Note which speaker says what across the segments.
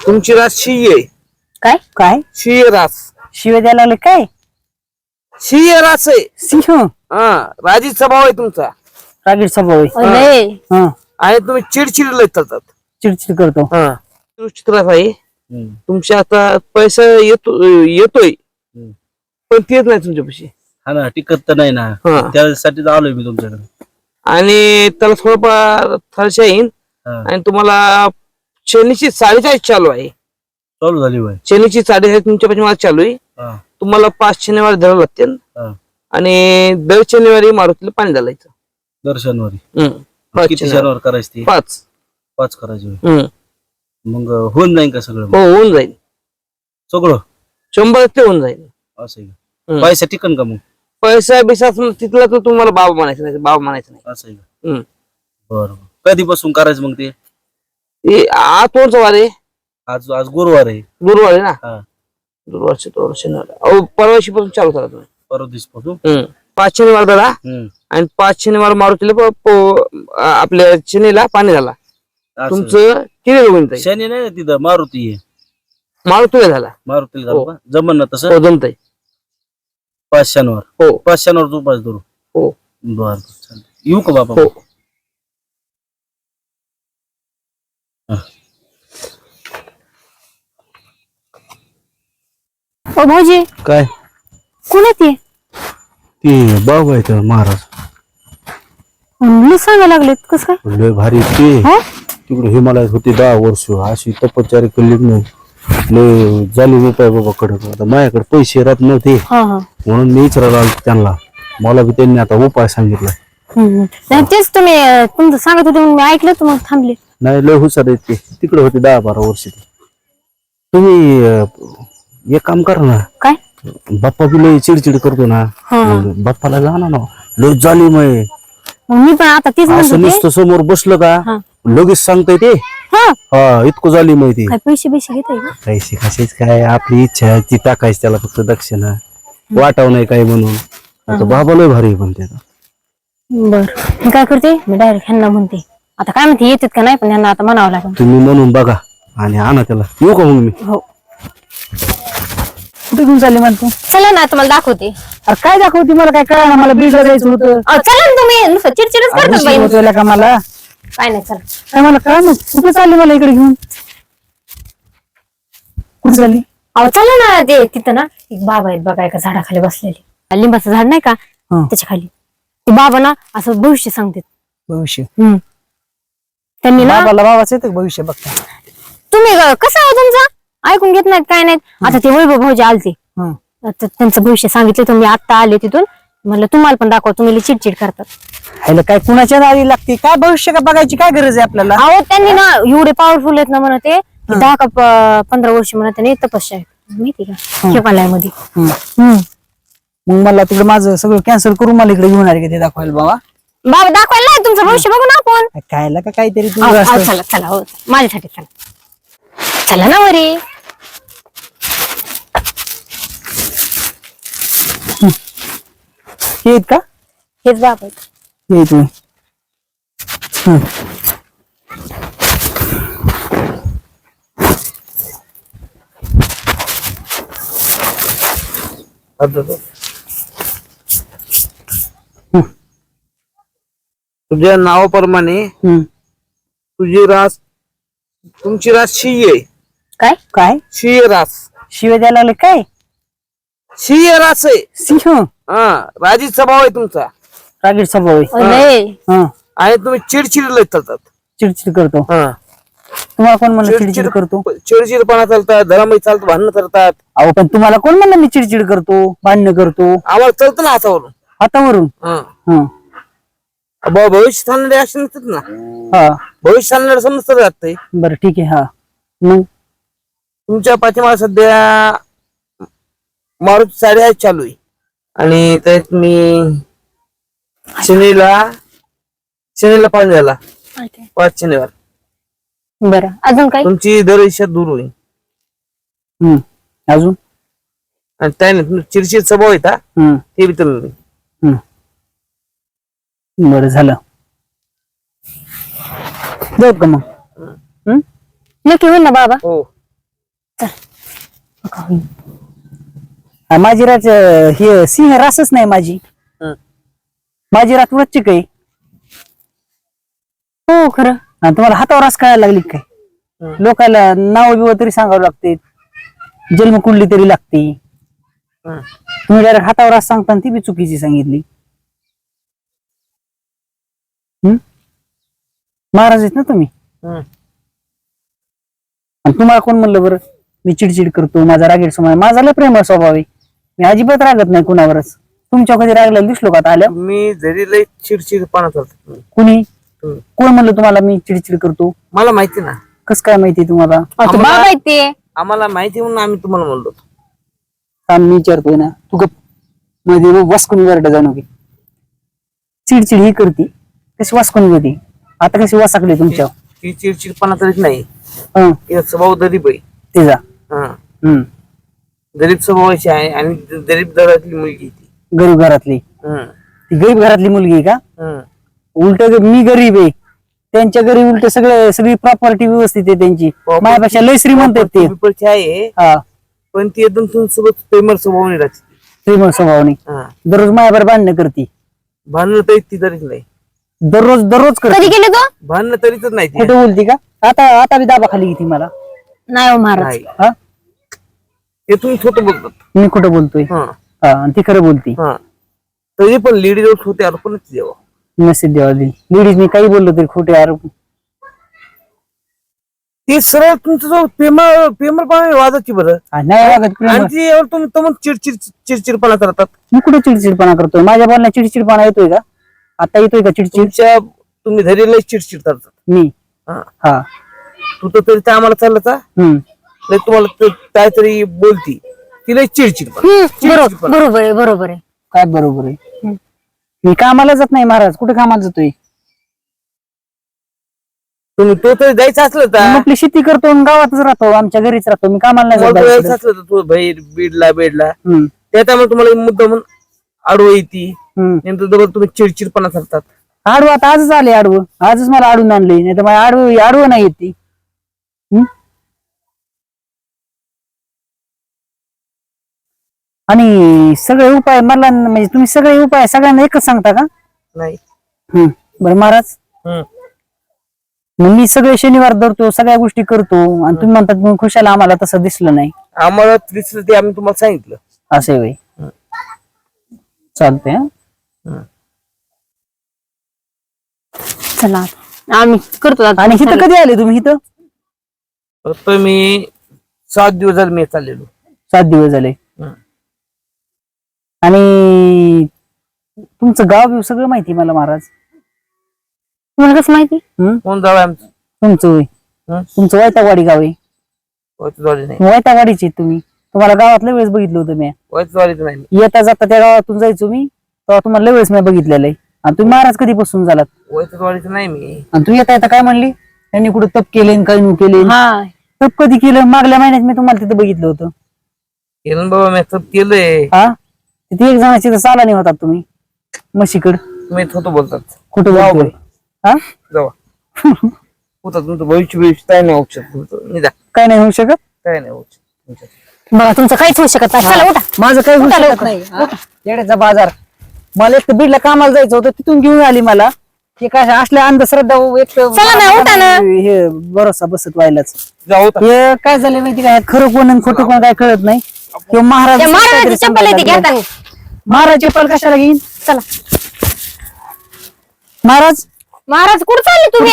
Speaker 1: तुमची रास शिये.
Speaker 2: काय काय
Speaker 1: शिये रास.
Speaker 2: शिव्या द्यायला लागले काय?
Speaker 1: शिये रास आहे.
Speaker 2: सिंह
Speaker 1: हा, राजी स्वभाव आहे तुमचा.
Speaker 2: रागीट स्वभाव आहे.
Speaker 3: लय
Speaker 2: हा
Speaker 1: आणि तुम्ही चिडचिड लय करतात.
Speaker 2: चिडचिड करतो.
Speaker 1: हा, दृष्टीत रास आहे. तुमच्या आता पैसा येतोय पण तेच नाही तुमच्यापाशी.
Speaker 4: हा ना, टिकत तर नाही ना,
Speaker 1: हा.
Speaker 4: त्यासाठी आलोय मी तुमच्याकडे.
Speaker 1: आणि त्याला थोडंफार थरशा येईन.
Speaker 4: हा.
Speaker 1: आणि तुम्हाला शनीची 44 चालू आहे.
Speaker 4: चालू झाली बाय.
Speaker 1: शनीची 44 तुमच्या पाठी मला चालू आहे.
Speaker 4: हा.
Speaker 1: तुम्हाला 5 शनिवार धरावं लागतील.
Speaker 4: हा.
Speaker 1: आणि दर शनिवारी मारुतीला पाणी घालायचं.
Speaker 4: दर शनिवारी.
Speaker 1: 5
Speaker 4: किती शनिवार करायची ती?
Speaker 1: 5.
Speaker 4: 5 करायची होय. मग होऊन जाईल का सगळं?
Speaker 1: हो, होऊन जाईल.
Speaker 4: सगळं
Speaker 1: 100% होऊन जाईल.
Speaker 4: असं आहे का? पैसा टिकन का मग?
Speaker 1: पैसा बिसा तिथला तर तुम्हाला बाबा म्हणायचं नाही. बाबा म्हणायचं नाही.
Speaker 4: असं आहे का?
Speaker 1: हम्म.
Speaker 4: बरं. कधीपासून करायचं मग ते?
Speaker 1: ते आज कोणचा वार आहे?
Speaker 4: आज आज गुरुवार आहे.
Speaker 1: गुरुवार आहे ना.
Speaker 4: हा.
Speaker 1: गुरुवारचे तो शनिवार. अहो, परवाशी पासून चालू करा तुम्ही.
Speaker 4: परवा दिवसापासून.
Speaker 1: 5 शनिवार धरा. आणि 5 शनिवार मारुतीला आपल्या शनीला पाणी झाला. तुमचं किती होईल?
Speaker 4: शनी नाही ना तिथं, मारुती आहे.
Speaker 1: मारुतीला झाला.
Speaker 4: मारुतीला
Speaker 1: हो.
Speaker 4: झालं का? जमन ना तसं?
Speaker 1: हो, जमतंय.
Speaker 4: 5 शनिवार.
Speaker 1: हो.
Speaker 4: 5 शनिवार तू 5 धरू.
Speaker 1: हो.
Speaker 4: बर चालेल. येऊ का बाबा?
Speaker 1: हो.
Speaker 3: ओ भाऊजी,
Speaker 4: काय?
Speaker 3: कोण आहे ते?
Speaker 4: ते बाबा आहेत महाराज.
Speaker 3: मी सांगायला लागलेत कस काय?
Speaker 4: लय भारी ते.
Speaker 3: हा?
Speaker 4: तिकडे हिमालयात होते 10 वर्ष. अशी तपश्चर्या केली नाही. लय झाली उपाय बाबा कडे. आता माझ्याकडे पैसे राहत नव्हते
Speaker 3: हा हा.
Speaker 4: म्हणून मी विचारायला आलो त्यांना. मला बी त्यांनी आता उपाय सांगितला.
Speaker 3: नाही, तेच तुम्ही तुमचं सांगत होते म्हणून मी ऐकलं तर मग थांबले.
Speaker 4: नाही, लय हुशार आहेत ते. तिकडे होते 10-12 वर्ष ते. तुम्ही एक काम करा ना.
Speaker 3: काय?
Speaker 4: बाप्पा बी लय चिडचिड करतो ना. बाप्पाला जाणार ना. लय झाली मग
Speaker 3: मी पण आता तीच म्हणत
Speaker 4: असं
Speaker 3: होते.
Speaker 4: नुसतं समोर बसलं का
Speaker 3: हा.
Speaker 4: लगेच सांगताय ते. हा, इतकं झाली माहिती.
Speaker 3: काय पैसे घेताय का?
Speaker 4: पैसे कशाच काय, आपली इच्छा आहे ती टाकायची त्याला फक्त दक्षिणा. वाटाव नाही काय म्हणून. आता बाबा लय भारी म्हणते.
Speaker 3: बर, मी काय करते, मी डायरेक्ट ह्यांना म्हणते. आता काय म्हणते, येतात का नाही, पण ह्यांना आता म्हणावं लागेल.
Speaker 4: तुम्ही म्हणून बघा आणि आणा त्याला. येऊ का मग मी?
Speaker 3: हो.
Speaker 2: कुठे घेऊन चालली मला तू?
Speaker 3: चला ना, तुम्हाला दाखवते.
Speaker 2: अरे काय दाखवती मला? काय कळलं ना मला. बीडला जायचं होतं.
Speaker 3: चला ना तुम्ही, नुसतं चिडचिडच करतात बाई.
Speaker 2: होतं का मला?
Speaker 3: काय नाही, चला.
Speaker 2: काय मला कळ ना. कुठे चालली मला इकडे घेऊन? कुठे चालली?
Speaker 3: अहो चला ना, ते तिथं ना एक बाबा आहेत बघा, एका झाडाखाली बसलेले. लिंबाचं झाड नाही का, त्याच्या खाली. ते बाबा ना असं भविष्य सांगतात.
Speaker 2: भविष्य?
Speaker 3: त्यांनी ना,
Speaker 2: बाबाचं येतं भविष्य बघता.
Speaker 3: तुम्ही कसं आहे तुमचं ऐकून घेत नाहीत काय नाहीत. आता ते वैभव भाऊजी आलते, त्यांचं भविष्य सांगितलं तर मी आता आले तिथून. म्हणलं तुम्हाला पण दाखवा, तुम्ही चिडचिड करतात.
Speaker 2: ह्याला काय कुणाच्या दारी लागते? काय भविष्य का बघायची काय गरज आहे आपल्याला?
Speaker 3: अहो त्यांनी ना एवढे पॉवरफुल आहेत ना म्हणते. 10 का 15 वर्ष म्हणत त्यांनी तपस्या आहे माहिती का हिमालयामध्ये.
Speaker 2: मग मला तिकडे माझं सगळं कॅन्सल करून मला इकडे घेऊन आले का ते दाखवायला बाबा?
Speaker 3: बाबा दाखवायला नाही, तुमचं भविष्य बघू ना आपण.
Speaker 2: खायला का काहीतरी तू
Speaker 3: चला चला, हो माझ्यासाठी चला. चला ना वरी.
Speaker 2: येत का?
Speaker 3: हेच बाबा आहेत.
Speaker 2: ये तू.
Speaker 1: तुझ्या नावाप्रमाणे तुझी रास, तुमची रास शिये.
Speaker 3: काय
Speaker 2: काय
Speaker 1: शिये रास.
Speaker 2: शिव्या द्यायला लागले काय?
Speaker 1: शिये रास आहे.
Speaker 2: सिंह
Speaker 1: हा, राजी स्वभाव आहे तुमचा.
Speaker 2: रागीट स्वभाव आहे.
Speaker 3: लय
Speaker 1: आणि तुम्ही चिडचिड लय करतात.
Speaker 2: चिडचिड करतो.
Speaker 1: हा,
Speaker 2: तुम्हाला कोण म्हणलं चिडचिड करतो?
Speaker 1: चिडचिडपणा चालतात, धरामही चालतं, भांडणं करतात.
Speaker 2: अहो पण तुम्हाला कोण म्हणलं मी चिडचिड करतो, भांडणं करतो?
Speaker 1: आम्हाला चालतं ना हातावरून.
Speaker 2: हातावरून?
Speaker 1: हा, भविष्य सांगणारे असे नसतात ना.
Speaker 2: हा,
Speaker 1: भविष्य सांगणारे समजतं जात.
Speaker 2: बरं ठीक आहे. हा, मग
Speaker 1: तुमच्या पाठीमागे सध्या मारुती 88 चालू आहे. आणि त्यात मी शनीला पाणी झाला 5 शनिवार.
Speaker 3: बरं, अजून काय?
Speaker 1: तुमची दर इच्छा दूर होईल.
Speaker 2: अजून?
Speaker 1: आणि त्याने चिडचिड स्वभाव आहे ते बी तुम्ही.
Speaker 2: बरं झालं. जाऊ का मग?
Speaker 3: नक्की होईल ना बाबा?
Speaker 1: हो.
Speaker 2: माझी रात हे सिंह रासच नाही माझी. माझी रात वृश्चिक आहे.
Speaker 3: हो खरं.
Speaker 2: आणि तुम्हाला हातावर रास कळायला लागली काय? लोकांना नाव बिव तरी सांगावं लागते, जन्मकुंडली तरी लागते. तुम्ही डायरेक्ट हातावर रास सांगता ती बी चुकीची सांगितली. महाराज आहेत ना तुम्ही. आणि तुम्हाला कोण म्हणलं बरं मी चिडचिड करतो, माझा रागीट स्वभाव आहे? माझा लय प्रेमळ स्वभाव आहे, मी अजिबात रागत नाही कुणावरच. तुमच्या कधी रागलेला दिसलो का आता आल्या?
Speaker 1: मी जरी लय चिडचिडपणा करतो.
Speaker 2: कुणी कोण म्हणलं तुम्हाला मी चिडचिड करतो?
Speaker 1: मला माहिती ना.
Speaker 2: कस काय माहिती तुम्हाला?
Speaker 3: बाबा आहेत ते.
Speaker 1: आम्हाला माहिती म्हणून आम्ही तुम्हाला म्हणलो.
Speaker 2: मी विचारतोय ना, तू गप मध्ये वासकून वरड जाणू की चिडचिड ही करती कशी वासकून गेली. आता कशी वासाकली तुमच्या?
Speaker 1: ती चिडचिडपणा तरीच नाही.
Speaker 2: हं,
Speaker 1: तिचा स्वभाव गरीब आहे.
Speaker 2: तिचा
Speaker 1: गरीब स्वभावाची आहे आणि गरीब घरातली मुलगी ती.
Speaker 2: गरीब घरातली. ती गरीब घरातली मुलगी आहे का? उलट मी गरीब आहे, त्यांच्या घरी उलट सगळी प्रॉपर्टी व्यवस्थित आहे त्यांची. माझ्यापेक्षा लय श्रीमंत आहेत ते.
Speaker 1: विपरीत आहे.
Speaker 2: हा,
Speaker 1: पण ती एकदम तुमच्यासोबत प्रेमळ स्वभावाने राहते.
Speaker 2: श्रीमंत स्वभावाने. दररोज माझ्यावर भांडणं करते.
Speaker 1: भांडणं तरी ती तरीच नाही.
Speaker 2: दररोज करते.
Speaker 3: कधी गेले तो?
Speaker 1: भांडणं तरीच नाही ती.
Speaker 2: खोटं बोलती का? आता बी दाबा खाली घेते मला.
Speaker 3: नाही हो महाराज.
Speaker 1: नाही.
Speaker 2: हा,
Speaker 1: हे तुम्ही खोटं बोलतात.
Speaker 2: मी खोटं बोलतोय. हा, आणि ती खरं बोलती.
Speaker 1: तरी पण लेडीज होते अर्पणच देवा.
Speaker 2: नसेल देवा दिली. लेडीजने काही बोललं तरी खोटे आरोप.
Speaker 1: ती सरळ तुमचं जो प्रेमळपणा वाजाची बरं.
Speaker 2: नाही वागत प्रेम.
Speaker 1: आणि ती यावर तुम्ही चिडचिडपणा करतात.
Speaker 2: मी कुठे चिडचिडपणा करतोय? माझ्या बोलण्यात चिडचिडपणा येतोय का? आता येतोय का चिडचिड?
Speaker 1: तुम्ही धैर्य चिडचिड करतात.
Speaker 2: मी हा
Speaker 1: तू तर तरी आम्हाला चालला तुम्हाला काहीतरी बोलती तिला चिडचिड.
Speaker 3: बरोबर आहे, बरोबर आहे.
Speaker 2: काय बरोबर आहे? मी कामाला जात नाही महाराज. कुठे कामाला जातोय?
Speaker 1: तुम्ही तो तरी जायचं असलं तर
Speaker 2: आपली शेती करतो आणि गावातच राहतो, आमच्या घरीच राहतो. मी कामाला नाही
Speaker 1: तुम्हाला
Speaker 2: जात.
Speaker 1: जायचं असलं तर तू बाहेर बेडला त्यामुळे तुम्हाला मुद्दा म्हणून आडवं येते. नंतर डबल तुम्ही चिडचिडपणा करतात.
Speaker 2: आडवं आता आजच आले. आडवं आजच मला आडून आणले, नाही तर मला आडवं नाही येते. आणि सगळे उपाय मला म्हणजे तुम्ही सगळे उपाय सगळ्यांना एकच सांगता का?
Speaker 1: नाही.
Speaker 2: बरं महाराज, मग मी सगळे शनिवार धरतो, सगळ्या गोष्टी करतो, आणि तुम्ही म्हणतात मग खुशाला आम्हाला तसं दिसलं नाही.
Speaker 1: आम्हाला दिसलं ते आम्ही तुम्हाला सांगितलं.
Speaker 2: असे वय चालतंय.
Speaker 3: चला आम्ही करतो आता.
Speaker 2: आणि इथं कधी आले तुम्ही? इथं
Speaker 1: फक्त मी 7 दिवस झाले मी चाललेलो.
Speaker 2: 7 दिवस झाले. आणि तुमचं गाव बिव सगळं माहिती मला महाराज.
Speaker 3: तुम्हाला कसं माहिती?
Speaker 1: कोण जावं आमचं?
Speaker 2: तुमचं होय. तुमचं वैतागवाडी गाव आहे.
Speaker 1: नाही.
Speaker 2: वैतागवाडीचे तुम्ही. तुम्हाला गावातल्या वेळेस बघितलं होतं मी.
Speaker 1: नाही.
Speaker 2: येता जाता त्या गावातून जायचो मी, तेव्हा तुम्हाला वेळेस मी बघितलेलं आहे. आणि तुम्ही महाराज कधीपासून झालात?
Speaker 1: वैतवाडीचं नाही मी.
Speaker 2: आणि तू येता काय म्हणली? त्यांनी कुठं तप केले काही केले? तप कधी केलं? मागल्या महिन्यात मी तुम्हाला तिथं बघितलं होतं.
Speaker 1: केलं बाबा मी तप केलंय.
Speaker 2: हा, तिथे एक जणाची तर साला नाही होतात तुम्ही म्हशीकड.
Speaker 1: तुम्ही थोडं बोलतात.
Speaker 2: कुठं बोलतोय? हा,
Speaker 1: जावा. होता तुमचं भविष्य काय नाही होऊ शकत.
Speaker 2: काय नाही होऊ शकत.
Speaker 1: काय नाही होऊ शकत.
Speaker 3: बघा तुमचं काहीच होऊ शकत नाही. चला उठा.
Speaker 2: माझं काही होऊ शकत नाही. येण्याचा बाजार. मला एक तर बीडला कामाला जायचं होतं, तिथून घेऊन आली मला. हे काय असल्या अंधश्रद्धा एक
Speaker 3: चला ना, उठा ना.
Speaker 2: हे भरोसा बसत व्हायलाच.
Speaker 1: जाऊ.
Speaker 2: हे काय झालं माहिती काय? खरं कोण आणि खोटं कोण काय कळत नाही. किंवा महाराज
Speaker 3: महाराजाची चप्पल येते घेता.
Speaker 2: महाराज चप्पल कशाला घेईन?
Speaker 3: चला
Speaker 2: महाराज
Speaker 3: महाराज कुठं चालले तुम्ही?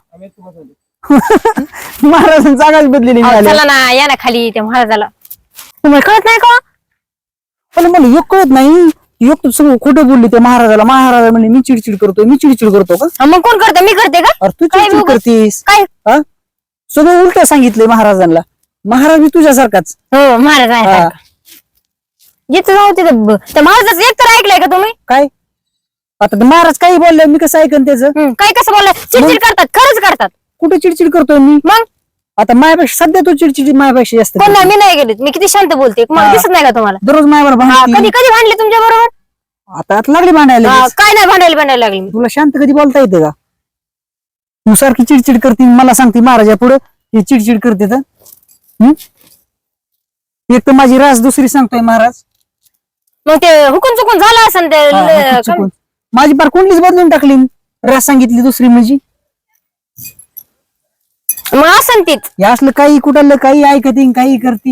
Speaker 2: महाराज जागाच बदलेली.
Speaker 3: चला ना, या ना खाली त्या महाराजाला. तुम्हाला कळत नाही का?
Speaker 2: पण मला एक कळत नाही. एक तर सगळं खोटं बोलली त्या महाराजाला. महाराजा म्हणजे मी चिडचिड करतो का?
Speaker 3: मग कोण करतं? मी करते का?
Speaker 2: अरे तू चिडचिड करतेस
Speaker 3: काय?
Speaker 2: सगळं उलट सांगितलंय महाराजांना. महाराज मी तुझ्यासारखाच.
Speaker 3: हो महाराज आहे. जिथं जाऊ तिथं त्या महाराजाचं एक तर ऐकलंय का तुम्ही?
Speaker 2: काय आता ते महाराज काही बोलले मी कसं ऐकन त्याचं?
Speaker 3: काय कसं बोललाय? चिडचिड करतात, खरंच करतात.
Speaker 2: कुठे चिडचिड करतोय मी?
Speaker 3: मग
Speaker 2: आता मायापेक्षा सध्या तू चिडचिड मायापेक्षा जास्त
Speaker 3: कोण नाही, मी नाही गेले. मी किती शांत बोलते, मला दिसत नाही का तुम्हाला?
Speaker 2: दररोज मायावर
Speaker 3: कधी कधी भांडले तुमच्या बरोबर?
Speaker 2: आता लागली भांडायला.
Speaker 3: काय नाही भांडायला लागली.
Speaker 2: तुला शांत कधी बोलता येतं का? तू सारखी चिडचिड करते, मला सांगते महाराजा पुढे चिडचिड करते तर एक तर माझी रास दुसरी सांगतोय महाराज.
Speaker 3: मग ते हुकून चुकून झालं असेल ते
Speaker 2: हा, हुकून चुकून. माझी पार कुंडलीच बदलून टाकली. रास सांगितली दुसरी म्हणजे.
Speaker 3: मग असन तीच.
Speaker 2: हे असलं काही कुठलं काही ऐकती काही करती.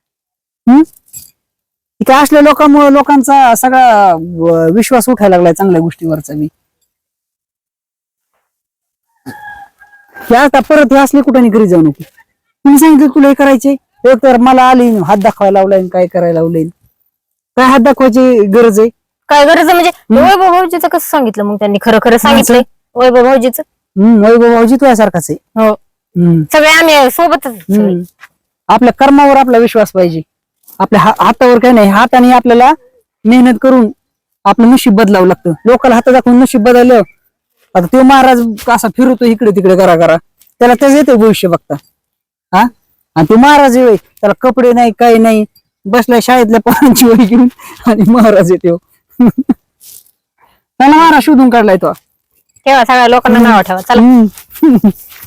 Speaker 2: काय असल्या लोकांमुळे लोकांचा सगळा विश्वास उठायला लागलाय चांगल्या गोष्टीवरचा मी. हे आता परत हे असले कुठं घरी जाऊ नको. तुम्ही सांगितलं तुला हे करायचे, एक तर मला आली हात दाखवायला लावलाय काय करायला लावलंय. काय हात दाखवायची गरज आहे?
Speaker 3: काय गरज आहे म्हणजे वैभव भाऊजीचं कसं सांगितलं मग त्यांनी? खरं खरं सांगितलंय वैभव भाऊजीचं.
Speaker 2: वैभव भाऊजी तुझ्यासारखाच आहे.
Speaker 3: हो सगळे आम्ही सोबतच.
Speaker 2: आपल्या कर्मावर आपला विश्वास पाहिजे. आपल्या हातावर काही नाही. हाताने आपल्याला मेहनत करून आपलं नशीब बदलावं लागतं. लोकांना हात दाखवून नशीब बदललं. आता तो महाराज असा फिरतो इकडे तिकडे करा त्याला त्याच येते भविष्य बघता. हा आणि तो महाराज आहे त्याला कपडे नाही काही नाही, बसलाय शाळेतल्या पोरांची वही घेऊन आणि महाराज येतो. त्याला महाराज शोधून काढलाय तो.
Speaker 3: ठेवा सगळ्या लोकांना नाव ठेवा चला.